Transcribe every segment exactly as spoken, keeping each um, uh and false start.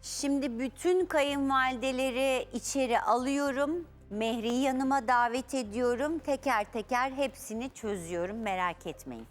Şimdi bütün kayınvalideleri içeri alıyorum. Mehri'yi yanıma davet ediyorum. Teker teker hepsini çözüyorum, merak etmeyin.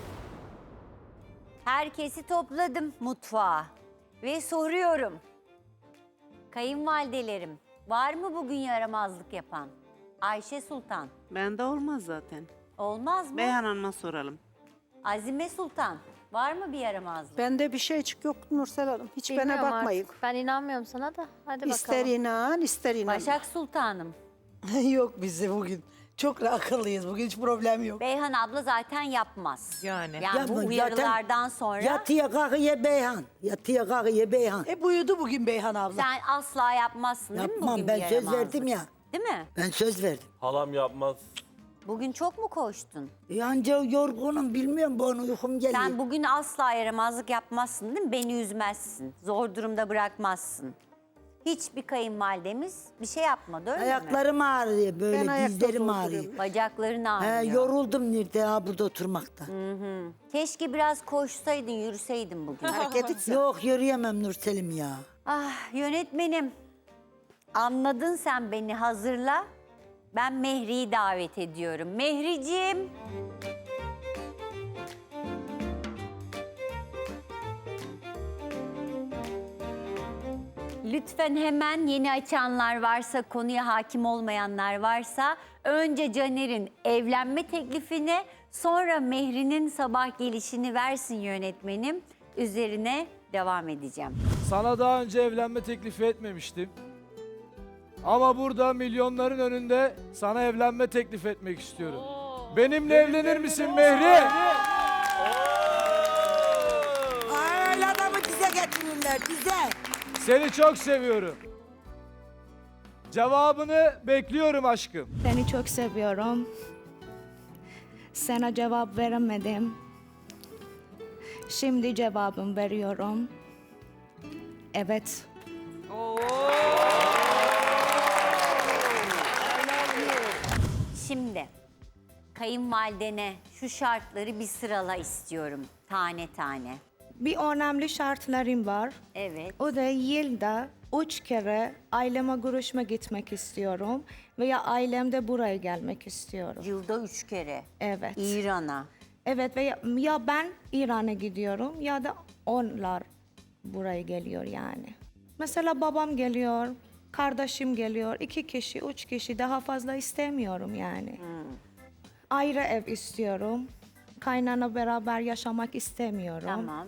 Herkesi topladım mutfağa ve soruyorum. Kayınvalidelerim, var mı bugün yaramazlık yapan? Ayşe Sultan, Bende olmaz zaten. olmaz mı? Beyhan Hanım'a soralım. Azime Sultan, var mı bir yaramazlık? Bende bir şeycik yok Nursel Hanım. Hiç bana Bilmiyorum bakmayın. artık. Ben inanmıyorum sana da. Hadi İster bakalım. inan, ister inan. Başak Sultanım, Yok bize bugün. Çok akıllıyız. Bugün hiç problem yok. Beyhan abla zaten yapmaz. Yani. Yani Ya bu bu zaten uyarılardan sonra Yatıya kalkıya Beyhan. Yatıya kalkıya Beyhan. E, Hep uyudu bugün Beyhan abla. sen asla yapmazsın değil mi Yapmam, bugün ben bir söz yaramazlık? verdim ya. Değil mi? Ben söz verdim. Halam yapmaz. Bugün çok mu koştun? Yanca yorgunum bilmiyorum bu an uykum geliyor. Sen bugün asla yaramazlık yapmazsın değil mi? Beni üzmezsin. Zor durumda bırakmazsın. Hiçbir kayınvalidemiz bir şey yapmadı öyle mi? Ayaklarım ağrıyor böyle Ben ayakta dizlerim zor ağrıyor. duruyorum. Bacakların He, ağrıyor. yoruldum nerede ha burada oturmakta. Keşke biraz koşsaydın, yürüseydin bugün. Hareket etsin. Yok yürüyemem Nurselim ya. Ah yönetmenim. Anladın sen beni, hazırla. Ben Mehri'yi davet ediyorum. Mehriciğim. Lütfen hemen yeni açanlar varsa, konuya hakim olmayanlar varsa önce Caner'in evlenme teklifini, sonra Mehri'nin sabah gelişini versin yönetmenim. Üzerine devam edeceğim. Sana daha önce evlenme teklifi etmemiştim. Ama burada milyonların önünde sana evlenme teklif etmek istiyorum. Benimle evlenir misin Mehri? Öyle adamı dize getirirler dize. Seni çok seviyorum. Cevabını bekliyorum aşkım. Seni çok seviyorum. Sana cevap veremedim. Şimdi cevabım veriyorum. Evet. Şimdi kayınvalidene şu şartları bir sırala istiyorum tane tane. Bir önemli şartlarım var. Evet. O da yılda üç kere aileme görüşme gitmek istiyorum. Veya ailemde buraya gelmek istiyorum. Yılda üç kere. Evet. İran'a. Evet veya ya ben İran'a gidiyorum ya da onlar buraya geliyor yani. Mesela babam geliyor, kardeşim geliyor, iki kişi, üç kişi daha fazla istemiyorum yani. Ayrı ev istiyorum. Kaynana beraber yaşamak istemiyorum. Tamam.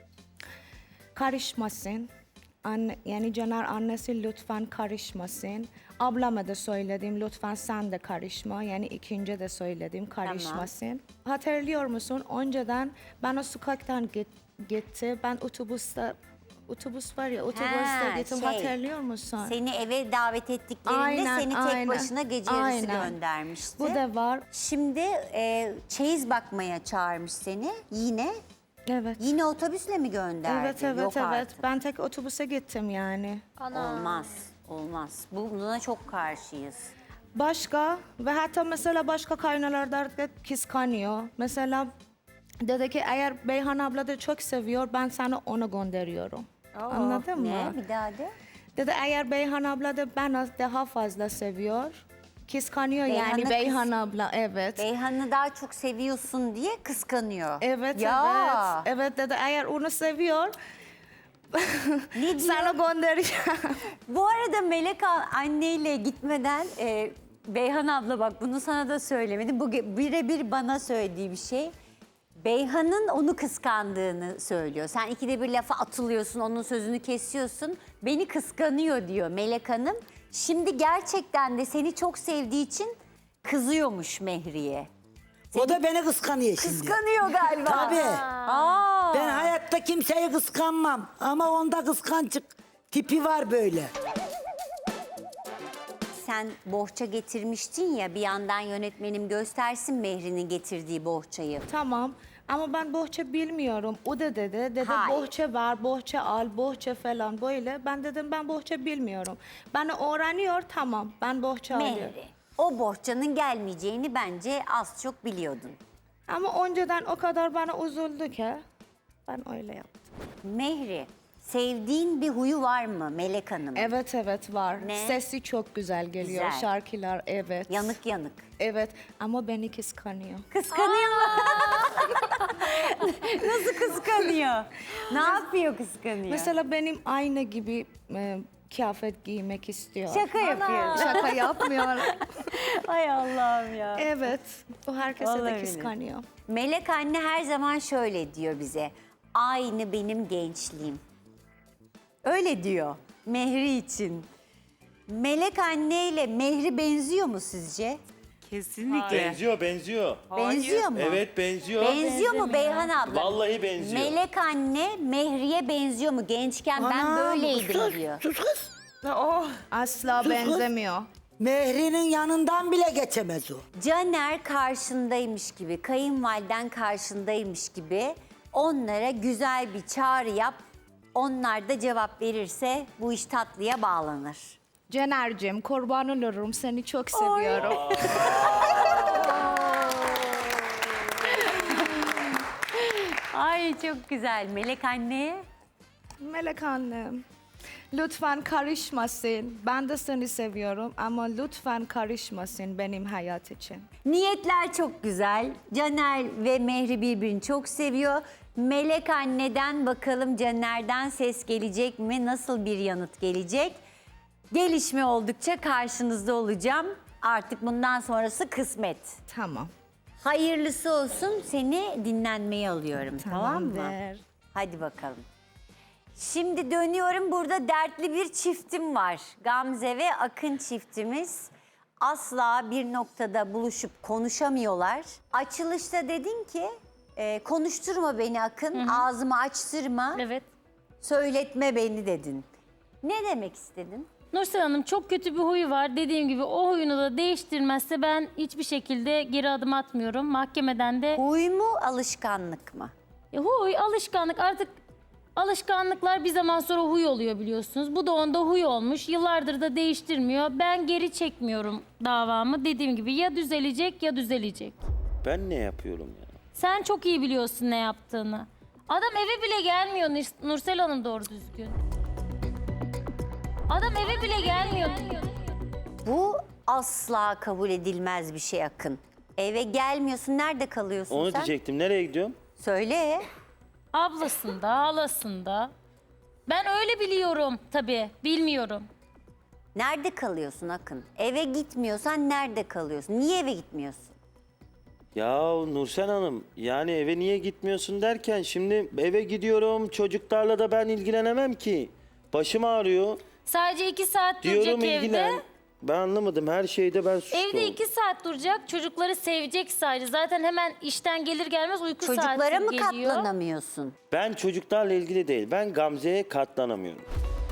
Karışmasın. Anne, yani Caner annesi lütfen karışmasın. Ablama da söyledim lütfen sen de karışma. Yani ikinci de söyledim karışmasın. Hatırlıyor musun? Önceden ben o sokaktan git, gitti. Ben otobüste otobüs var ya otobüste Ha, gittim. şey, Hatırlıyor musun? Seni eve davet ettiklerinde Aynen, seni tek aynen. başına gece yarısı Aynen. göndermişti. Bu da var. Şimdi e, çeyiz bakmaya çağırmış seni yine. Evet. Yine otobüsle mi gönderdi? Evet evet Yok evet. artık. Ben tek otobüse gittim yani. Ana. Olmaz, olmaz. Buna çok karşıyız. Başka ve hatta mesela başka kaynalarda da kıskanıyor. Mesela dedi ki eğer Beyhan abla da çok seviyor ben sana onu gönderiyorum. Anladın Ne? mı? Bir daha de. Dedi eğer Beyhan abla da beni daha fazla seviyor. Kıskanıyor Beyhan'ı yani Beyhan kıs- abla evet. Beyhan'ı daha çok seviyorsun diye kıskanıyor. Evet Ya. evet. Evet dedi eğer onu seviyor Ne diyor? sana göndereceğim. Bu arada Melek a- anneyle gitmeden e, Beyhan abla bak bunu sana da söylemedim. Bu ge- birebir bana söylediği bir şey. Beyhan'ın onu kıskandığını söylüyor. Sen ikide bir lafa atılıyorsun, onun sözünü kesiyorsun. Beni kıskanıyor diyor Melek Hanım. Şimdi gerçekten de seni çok sevdiği için kızıyormuş Mehri'ye. O da beni kıskanıyor şimdi. Kıskanıyor galiba. Tabii. Aa. Ben hayatta kimseyi kıskanmam. Ama onda kıskançık tipi var böyle. Sen bohça getirmiştin ya, bir yandan yönetmenim göstersin Mehri'nin getirdiği bohçayı. Tamam ama ben bohça bilmiyorum. O da dedi, dedi Hayır. bohça var, bohça al, bohça falan böyle. Ben dedim ben bohça bilmiyorum. Ben öğreniyor tamam, ben bohça alıyorum. Mehri, o bohçanın gelmeyeceğini bence az çok biliyordun. Ama önceden o kadar bana üzüldü ki ben öyle yaptım. Mehri, sevdiğin bir huyu var mı Melek Hanım? Evet evet var. Ne? Sesi çok güzel geliyor. Güzel. Şarkılar evet. Yanık yanık. Evet ama beni kıskanıyor. Kıskanıyor mu? Nasıl kıskanıyor? Ne yapıyor kıskanıyor? Mesela benim aynı gibi e, kıyafet giymek istiyor. Şaka yapıyor. Şaka yapmıyor. Ay Allah'ım ya. Evet. O herkese Vallahi de öyle. kıskanıyor. Melek anne her zaman şöyle diyor bize. Aynı benim gençliğim. Öyle diyor Mehri için. Melek anne ile Mehri benziyor mu sizce? Kesinlikle. Benziyor, benziyor. Benziyor mu? Evet, benziyor. Benziyor mu Beyhan abla? Vallahi benziyor. Melek anne Mehri'ye benziyor mu? Gençken ben Anam, böyleydim sus, diyor. Sus kız. Asla benzemiyor. Mehri'nin yanından bile geçemez o. Caner karşındaymış gibi, kayınvaliden karşındaymış gibi onlara güzel bir çağrı yap. Onlar da cevap verirse bu iş tatlıya bağlanır. Cener'cim kurban olurum seni çok seviyorum. Ay çok güzel. Melek anne. Melek annem. Lütfen karışmasın. Ben de seni seviyorum ama lütfen karışmasın benim hayat için. Niyetler çok güzel. Caner ve Mehri birbirini çok seviyor. Melek anneden bakalım Caner'den ses gelecek mi? Nasıl bir yanıt gelecek? Gelişme oldukça karşınızda olacağım. Artık bundan sonrası kısmet. Tamam. Hayırlısı olsun. Seni dinlenmeye alıyorum. Tamam mı? Tamamdır. Hadi bakalım. Şimdi dönüyorum. Burada dertli bir çiftim var. Gamze ve Akın çiftimiz. Asla bir noktada buluşup konuşamıyorlar. Açılışta dedin ki e, konuşturma beni Akın, ağzımı açtırma, Evet. söyletme beni dedin. Ne demek istedin? Nursel Hanım çok kötü bir huyu var. Dediğim gibi o huyunu da değiştirmezse ben hiçbir şekilde geri adım atmıyorum. Mahkemeden de Huy mu, alışkanlık mı? E, huy, alışkanlık artık alışkanlıklar bir zaman sonra huy oluyor biliyorsunuz. Bu da onda huy olmuş. Yıllardır da değiştirmiyor. Ben geri çekmiyorum davamı. Dediğim gibi ya düzelecek ya düzelecek. Ben ne yapıyorum ya? Sen çok iyi biliyorsun ne yaptığını. Adam eve bile gelmiyor Nurs- Nursel Hanım doğru düzgün. Adam eve bile gelmiyor. Bu asla kabul edilmez bir şey Akın. Eve gelmiyorsun, nerede kalıyorsun Onu sen? diyecektim. Nereye gidiyorum? Söyle. Ablasında, halasında. Ben öyle biliyorum tabii, bilmiyorum. Nerede kalıyorsun Akın? Eve gitmiyorsan nerede kalıyorsun? Niye eve gitmiyorsun? Ya Nursel Hanım, yani eve niye gitmiyorsun derken şimdi eve gidiyorum, çocuklarla da ben ilgilenemem ki. Başım ağrıyor. Sadece iki saat Diyorum duracak ilgilen. evde. Ben anlamadım, her şeyde ben suçlu Evde oldum. iki saat duracak, çocukları sevecek sadece. Zaten hemen işten gelir gelmez uyku saati Çocuklara mı geliyor. katlanamıyorsun? Ben çocuklarla ilgili değil, ben Gamze'ye katlanamıyorum.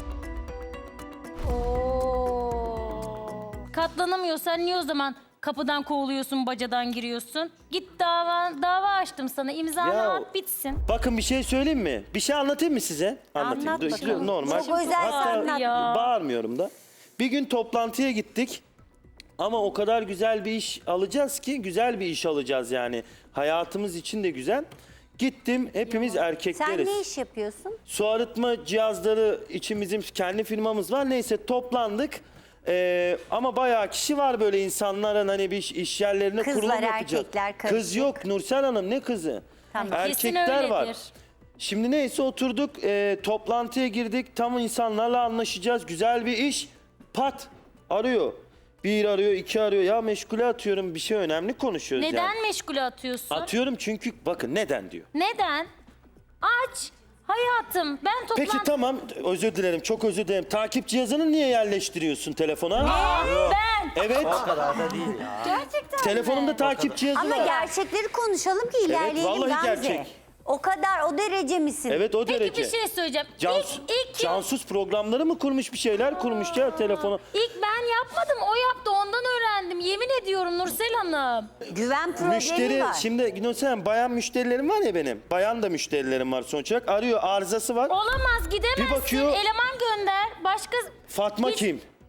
Katlanamıyorsan niye o zaman kapıdan kovuluyorsun, bacadan giriyorsun? Git dava, dava açtım sana, imzanı Ya- at bitsin. Bakın bir şey söyleyeyim mi? Bir şey anlatayım mı size? Anlatayım. Anlat Dur, bakalım. Normal. Çok özel Hatta anlat. Ya. bağırmıyorum da. Bir gün toplantıya gittik. Ama o kadar güzel bir iş alacağız ki güzel bir iş alacağız yani. Hayatımız için de güzel. Gittim, hepimiz Sen erkekleriz. ne iş yapıyorsun? Su arıtma cihazları için bizim kendi firmamız var. Neyse toplandık. Ee, ama bayağı kişi var böyle insanların hani bir iş, iş yerlerine Kızlar, kurulum yapacak. erkekler karışık. Kız yok Nursel Hanım, ne kızı? Tamam. Kesin Erkekler var. öyledir. Şimdi neyse oturduk, e, toplantıya girdik. Tam insanlarla anlaşacağız. Güzel bir iş. Pat arıyor. Bir arıyor, iki arıyor. Ya meşgule atıyorum. Bir şey önemli konuşuyoruz Neden yani. meşgule atıyorsun? Atıyorum çünkü bakın neden diyor. Neden? Aç. Hayatım ben toplantı... Peki tamam, özür dilerim, çok özür dilerim. Takip cihazını niye yerleştiriyorsun telefona? Ben. Evet. Gerçekten Telefonumda mi? takip cihazı Ama var. gerçekleri konuşalım ki ilerleyelim vallahi Gamze. gerçek. O kadar o derece misin? Evet o Peki derece. bir şey söyleyeceğim. Cans- ilk, ilk, gün- Cansuz programları mı kurmuş, bir şeyler kurmuş ya telefona. ilk ben yapmadım. O yaptı. Ondan öğrendim. Yemin ediyorum Nursel Hanım. Güven problemi Müşteri, var. şimdi Gülsen bayan müşterilerim var ya benim. Bayan da müşterilerim var sonuç olarak. Arıyor, arızası var. Olamaz. Gidemezsin. Bir bakıyor- Eleman gönder. Başka... Fatma Hiç- kim?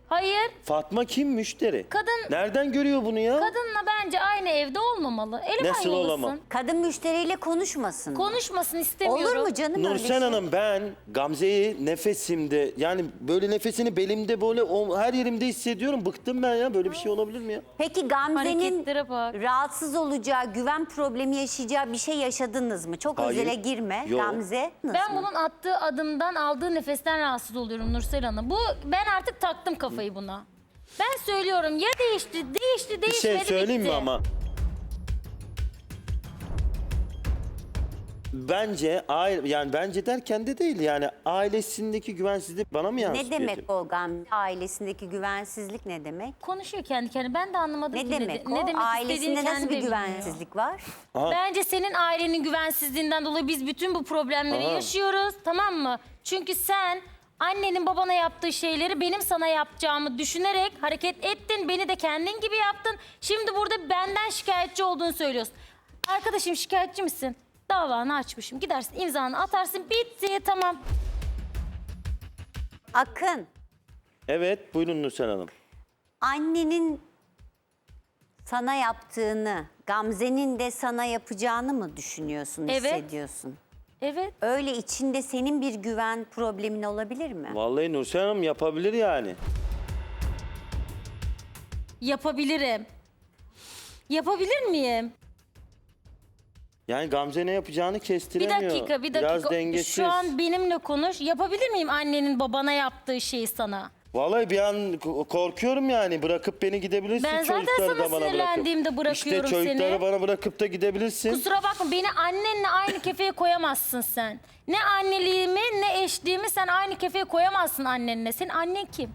Hayır. Fatma kim müşteri? Kadın Nereden görüyor bunu ya? kadınla bence aynı evde olmamalı. Eleman Nasıl yollasın. olamam? Kadın müşteriyle konuşmasın. Konuşmasın istemiyorum. Olur mu canım öyle Nursen şey? Hanım ben Gamze'yi nefesimde yani böyle nefesini belimde böyle o, her yerimde hissediyorum. Bıktım ben ya. Böyle bir şey olabilir mi ya? Peki Gamze'nin Hareketlere bak. rahatsız olacağı, güven problemi yaşayacağı bir şey yaşadınız mı? Çok Hayır. özele girme Yok. Gamze. Ben bunun attığı adımdan, aldığı nefesten rahatsız oluyorum Nursel Hanım. Bu ben artık taktım kafayı buna. Ben söylüyorum ya değişti, değişti, Bir değişmedi, şey söyleyeyim mi bitti. ama? Bence aile yani bence derken de değil yani ailesindeki güvensizlik bana mı yansıtıyor? Ne demek o Gamze? Ailesindeki güvensizlik ne demek? Konuşuyor kendi kendine. Ben de anlamadım Ne ki demek ne, o? ne demek Ailesinde istediğini nasıl kendi bir de bilmiyor. güvensizlik var? Bence senin ailenin güvensizliğinden dolayı biz bütün bu problemleri Aha. yaşıyoruz, tamam mı? Çünkü sen annenin babana yaptığı şeyleri benim sana yapacağımı düşünerek hareket ettin. Beni de kendin gibi yaptın. Şimdi burada benden şikayetçi olduğunu söylüyorsun. Arkadaşım şikayetçi misin? Davanı açmışım. Gidersin imzanı atarsın bitti tamam. Akın, Evet buyurun Nursen Hanım. annenin sana yaptığını, Gamze'nin de sana yapacağını mı düşünüyorsun, Evet. hissediyorsun? Evet. Öyle içinde senin bir güven problemin olabilir mi? Vallahi Nursen Hanım yapabilir yani. Yapabilirim. Yapabilir miyim? Yani Gamze ne yapacağını Bir kestiremiyor. dakika, bir Biraz dakika. dengesiz. Şu an benimle konuş. Yapabilir miyim annenin babana yaptığı şeyi sana? Vallahi bir an k- korkuyorum yani. Bırakıp beni gidebilirsin. Ben zaten çocukları sana da bana sinirlendiğimde bırakıp. İşte bırakıyorum çocukları seni. bana bırakıp da gidebilirsin. Kusura bakma beni annenle aynı kefeye koyamazsın sen. Ne anneliğimi ne eşliğimi sen aynı kefeye koyamazsın annenle. Senin annen kim?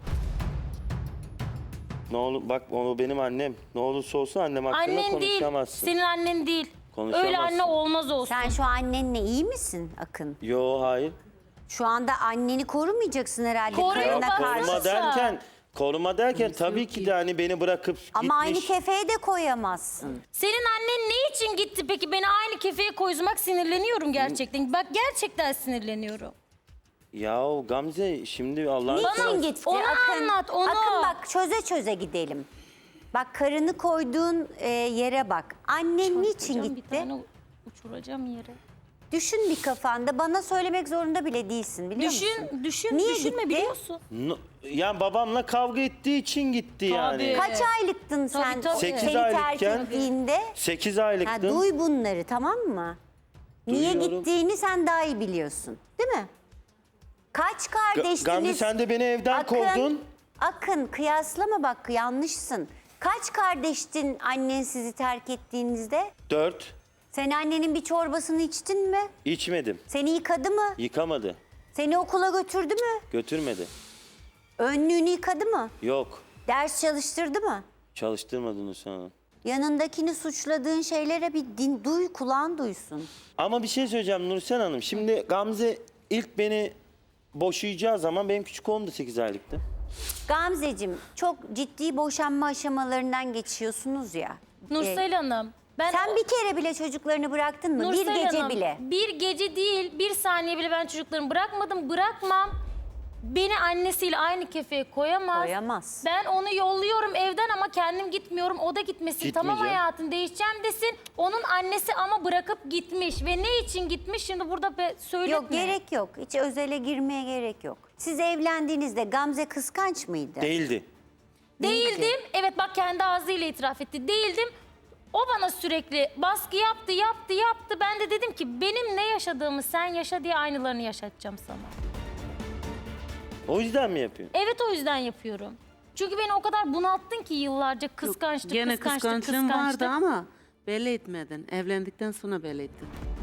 Ne olur bak o benim annem. Ne olursa olsun annem hakkında Annen değil. konuşamazsın. Senin annen değil. Konuşamazsın. Öyle anne olmaz olsun. Sen şu annenle iyi misin Akın? Yo hayır. Şu anda anneni korumayacaksın herhalde Koruyor, karına bak, karşı. Koruma Varsa. derken koruma derken tabii ki de hani beni bırakıp Ama aynı gitmiş. kefeye de koyamazsın. Senin annen ne için gitti peki? Beni aynı kefeye koymak sinirleniyorum gerçekten. Bak gerçekten sinirleniyorum. Ya Gamze şimdi Allah'ın Niçin gitti onu Akın? anlat, onu. Akın bak çöze çöze gidelim. Bak karını koyduğun e, yere bak. Annen niçin Uçuracağım, Bir gitti? tane uçuracağım yere. Düşün bir kafanda. Bana söylemek zorunda bile değilsin biliyor musun? Düşün, düşün, Niye düşünme gitti? biliyorsun. No- yani babamla kavga ettiği için gitti yani. Kaç aylıktın sen tabii. Sekiz seni terk aylıkken- ettiğinde? sekiz Ha, aylıktım. duy bunları tamam mı? Niye Duyuyorum. gittiğini sen daha iyi biliyorsun. Değil mi? Kaç Ga- kardeştiniz? Gamze sen de beni evden Akın, kovdun. Akın kıyaslama bak yanlışsın. Kaç kardeştin annen sizi terk ettiğinizde? Dört. Sen annenin bir çorbasını içtin mi? İçmedim. Seni yıkadı mı? Yıkamadı. Seni okula götürdü mü? Götürmedi. Önlüğünü yıkadı mı? Yok. Ders çalıştırdı mı? Çalıştırmadın Nursen Hanım. Yanındakini suçladığın şeylere bir din, duy, kulağın duysun. Ama bir şey söyleyeceğim Nursen Hanım. Şimdi Gamze ilk beni boşayacağı zaman benim küçük oğlum da sekiz aylıktı. Gamzeciğim çok ciddi boşanma aşamalarından geçiyorsunuz ya. Nursel Hanım. Ben Sen bir kere bile çocuklarını bıraktın mı? Nursel bir gece Hanım, bile. Bir gece değil, bir saniye bile ben çocuklarımı bırakmadım, bırakmam. Beni annesiyle aynı kefeye koyamaz. Koyamaz. Ben onu yolluyorum evden ama kendim gitmiyorum. O da gitmesin. Tamam Gitmeyeceğim. hayatım değişeceğim desin. Onun annesi ama bırakıp gitmiş. Ve ne için gitmiş şimdi burada be, söyletme. Yok gerek yok. Hiç özele girmeye gerek yok. Siz evlendiğinizde Gamze kıskanç mıydı? Değildi. Değildim. Evet bak kendi ağzıyla itiraf etti. Değildim. O bana sürekli baskı yaptı, yaptı, yaptı. Ben de dedim ki benim ne yaşadığımı sen yaşa diye aynılarını yaşatacağım sana. O yüzden mi yapıyor? Evet o yüzden yapıyorum. Çünkü beni o kadar bunalttın ki yıllarca kıskançlık, Gene kıskançlık, kıskançlığın kıskançlık. vardı ama belli etmedin. Evlendikten sonra belli ettin.